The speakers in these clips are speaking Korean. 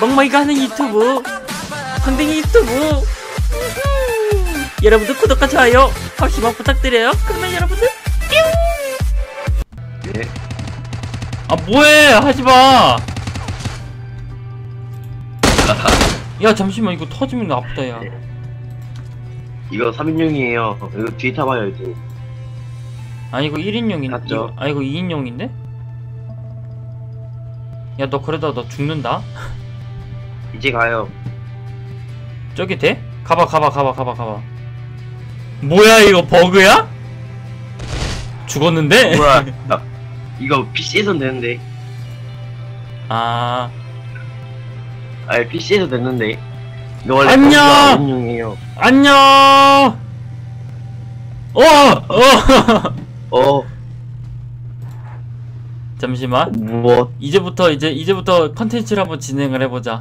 멍멍이가 하는 유튜브 황댕이 유튜브. 여러분들 구독과 좋아요 한 번씩만 부탁드려요. 그러면 여러분들 뿅. 네. 아 뭐해 하지마. 야 잠시만 이거 터지면 아프다 야. 이거 3인용이에요. 이거 뒤에 타봐요 이제. 아니 이거 1인용인데? 맞죠? 아 이거 2인용인데? 야 너 그러다 너 죽는다? 이제 가요. 저기 돼? 가봐 뭐야 이거 버그야? 죽었는데? 뭐야? 이거 PC에선 되는데. 아 PC에서 됐는데. 이거 원래 안녕! 3인용이에요. 안녕! 어. 잠시만 무엇? 이제부터 컨텐츠를 한번 진행을 해보자.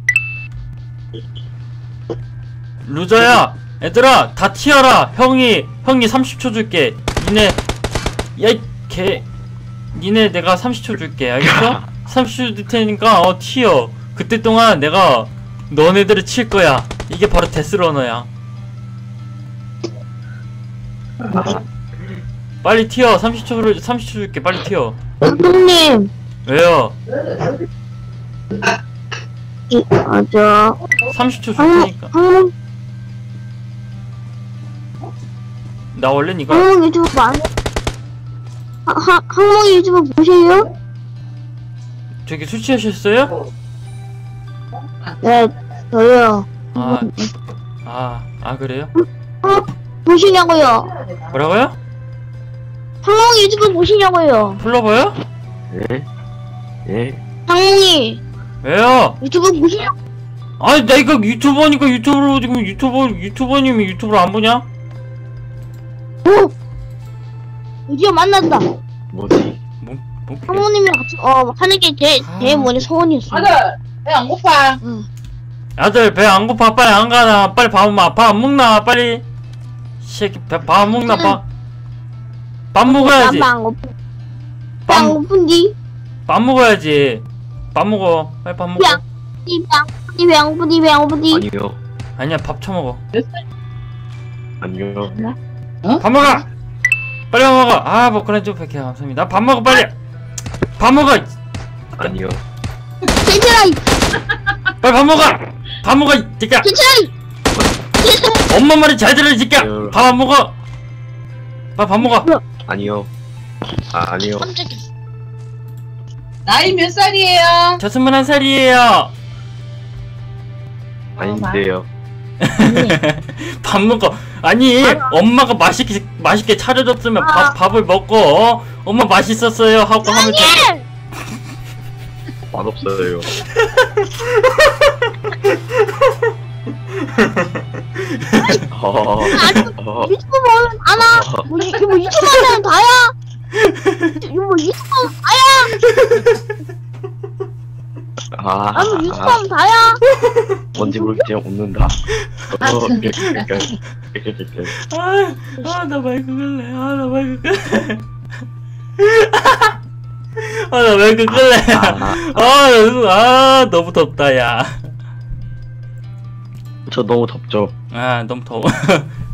루저야 얘들아 다 튀어라. 형이 30초 줄게. 니네 내가 30초 줄게 알겠어? 30초 줄 테니까 튀어. 그때 동안 내가 너네들을 칠 거야. 이게 바로 데스러너야. 빨리 튀어. 30초 줄게. 빨리 튀어. 형님, 왜요? 맞아. 30초 줄 테니까. 나 원래 이거 항목 유튜브 많이, 항목 유튜브 보세요? 저기 술 취하셨어요? 네, 저요. 그래요? 보시냐고요? 뭐라고요? 항목 유튜브 보시냐고요? 불러봐요? 네? 네? 항목이 왜요? 유튜브 보시냐고? 아니 내가 유튜버니까 유튜브로 지금 유튜버님이 유튜브를 안 보냐? 드디어 만났다. 뭐지? 뭐 항목님이랑 같이 하는 게 제일 먼저 소원이었어. 아들 배 안 고파? 응. 아들 배 안 고파? 빨리 안 가나? 빨리 밥 안 먹나? 빨리 새끼 밥 안 먹나? 밥 먹어야지. 안 고픈. 안 고픈디? 밥 먹어야지. 밥 먹어. 빨리 밥 먹어. 배 안 고픈디? 아니요. 아니야 밥 처먹어. 아니요. 밥 먹어. 빨리 밥 먹어. 뭐 그런 좀 백해 감사합니다. 밥 먹어 빨리. 밥 먹어. 아니요. 괜찮아. 빨리 밥 먹어. 밥 먹어 이 새끼야. 괜찮아. 엄마 말이 잘 들어 이 새끼야. 밥 안 먹어. 빨리 밥 먹어. 아니요. 아니요. 나이 몇 살이에요? 저 21살이에요. 아닌데요. 밥 먹어. 아니 엄마가 맛있게 차려줬으면 밥을 먹고 엄마 맛있었어요 하고 하면 돼. 맛없어요. 유튜브 보면 알아. 뭐 유튜브 하면 다야. 뭐 유튜브 하면 다야. 아무 유튜브 하면 다야. 뭔지 모르게 그냥 웃는다. 나 마이크 끌래. 나 마이크 끌래. 나 마이크 끌래. 너무 덥다 야. 저 너무 덥죠. 너무 더워.